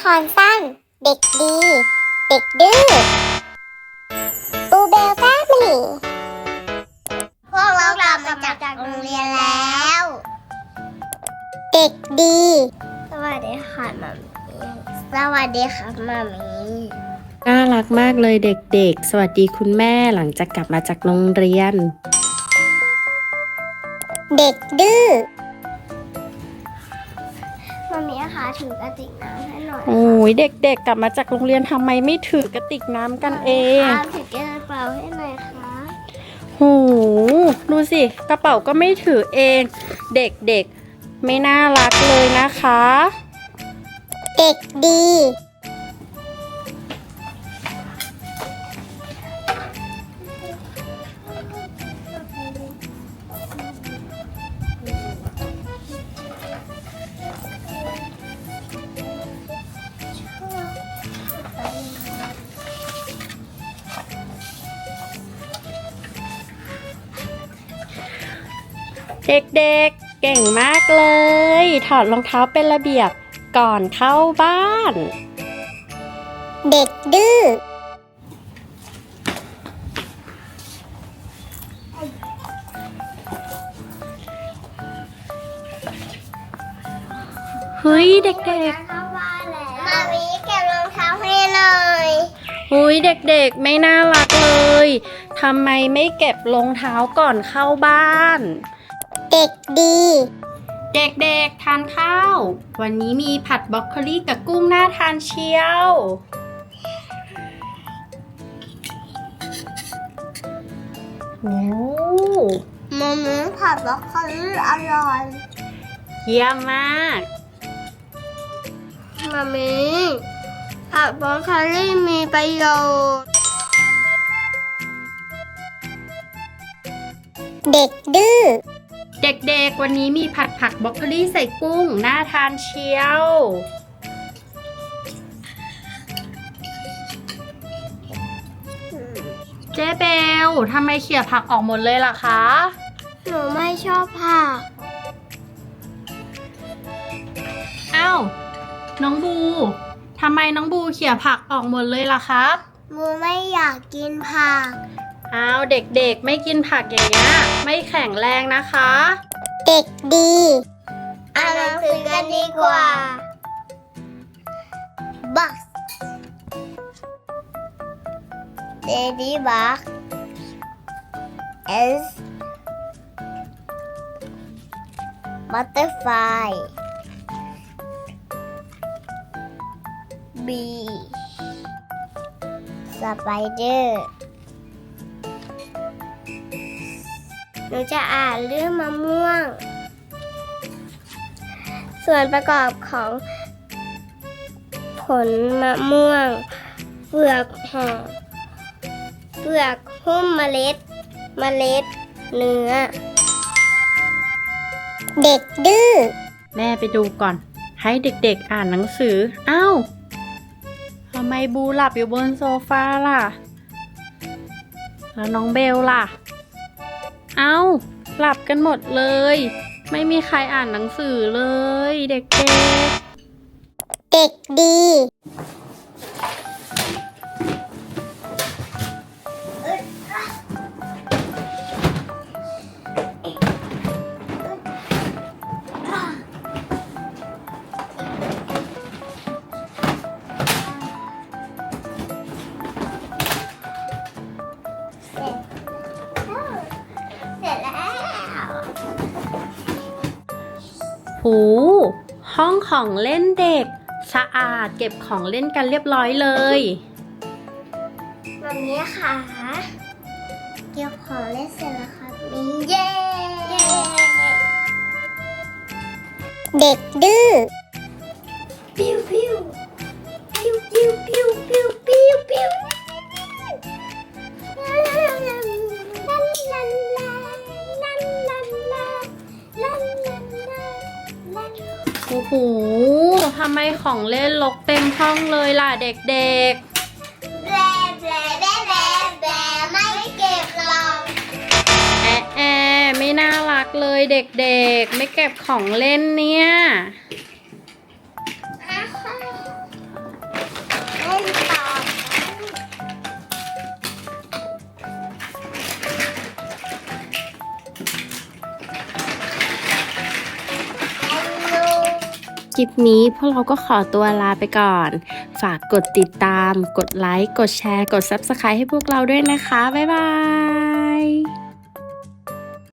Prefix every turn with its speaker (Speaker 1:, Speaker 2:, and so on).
Speaker 1: ครสั้นเด็กดี เด็กดื้อบูเบลแฟมิลี่พวกเรากลับมาจากโรงเรียนแล้ว เด็กดี สวัสดีค่ะมัมมี่สวัสดีค่ะมัมมี่
Speaker 2: น่ารักมากเลยเด็กๆ สวัสดีคุณแม่หลังจากกลับมาจากโรงเรียน
Speaker 1: เด็กดื้อมัมมี่คะถือกระติกน้ำให้หน่อย
Speaker 2: โอ้ยเด็กๆ กลับมาจากโรงเรียนทำไมไม่ถือกระติกน้ำกันเอง
Speaker 1: ถือกระเป๋าให้หน่อยค่ะ
Speaker 2: โหดูสิกระเป๋าก็ไม่ถือเอง เด็กๆ ไม่น่ารักเลยนะคะ
Speaker 1: เด็กดี
Speaker 2: เด็กๆ เก่งมากเลย ถอดรองเท้าเป็นระเบียบก่อนเข้าบ้าน
Speaker 1: เด็กดื้อ
Speaker 2: เฮ้ยเด็ก
Speaker 1: เข้าบ้านแล้วมามีเก็บรองเท้าให้หน่อย
Speaker 2: ๆเฮ้ยเด็กๆ ไม่น่ารักเลย ทำไมไม่เก็บรองเท้าก่อนเข้าบ้าน
Speaker 1: เด็กดี
Speaker 2: เด็กๆ ทานข้าว วันนี้มีผัดบรอกโคลีกับกุ้งน่าทานเชียวโอ้
Speaker 1: มามีผัดบรอกโคลีอร่อย
Speaker 2: เยี่ยมมาก
Speaker 1: มามีผัดบรอกโคลีมีประโยชน์ เด็กดื้อ
Speaker 2: เด็กๆ วันนี้มีผัดผักบรอกโคลีใส่กุ้งน่าทานเชียวเจ๊เบลทำไมเขี่ยผักออกหมดเลยล่ะคะ
Speaker 1: หนูไม่ชอบผัก
Speaker 2: อ้าวน้องบูทำไมน้องบูเขี่ยผักออกหมดเลยล่ะครับ
Speaker 1: บูไม่อยากกินผัก
Speaker 2: อ้าวเด็กๆ ไม่กินผักอย่างเงี้ยไม่แข็งแรงนะคะ
Speaker 1: เด็กดีอ่านหนังสือกันดีกว่า Box Ladybug S Butterfly B Spider หนูจะอ่านเรื่องมะม่วง ส่วนประกอบของผลมะม่วง เปลือกห่อเปลือกหุ้มเมล็ด เนื้อ เด็กดื้อ
Speaker 2: แม่ไปดูก่อน ให้เด็กๆ อ่านหนังสืออ้าวทำไมบูหลับอยู่บนโซฟาล่ะ แล้วน้องเบลล่ะเอ้าหลับกันหมดเลย ไม่มีใครอ่านหนังสือเลยเด็ก
Speaker 1: เด็กดีเสร็จแล้ว
Speaker 2: ๆหูห้องของเล่นเด็ก สะอาดเก็บของเล่นกันเรียบร้อยเลย
Speaker 1: วันนี้ค่ะเก็บของเล่นเสร็จแล้วครับมีเย้ เด็กดื้อปิ้วปิ้วปิ้วปิ้วปิ้วปิ้วปิ้วปิ้ว
Speaker 2: โอ้โหทำไมของเล่นรกเต็มห้องเลยล่ะเด็กๆ
Speaker 1: แบลแบลแบลแบลแบลไม่เก็บหรอก
Speaker 2: ไม่น่ารักเลยเด็กๆ ไม่เก็บของเล่นเนี่ยคลิปนี้พวกเราก็ขอตัวลาไปก่อน ฝากกดติดตาม กดไลค์ กดแชร์ กด Subscribe ให้พวกเราด้วยนะคะ บ๊ายบาย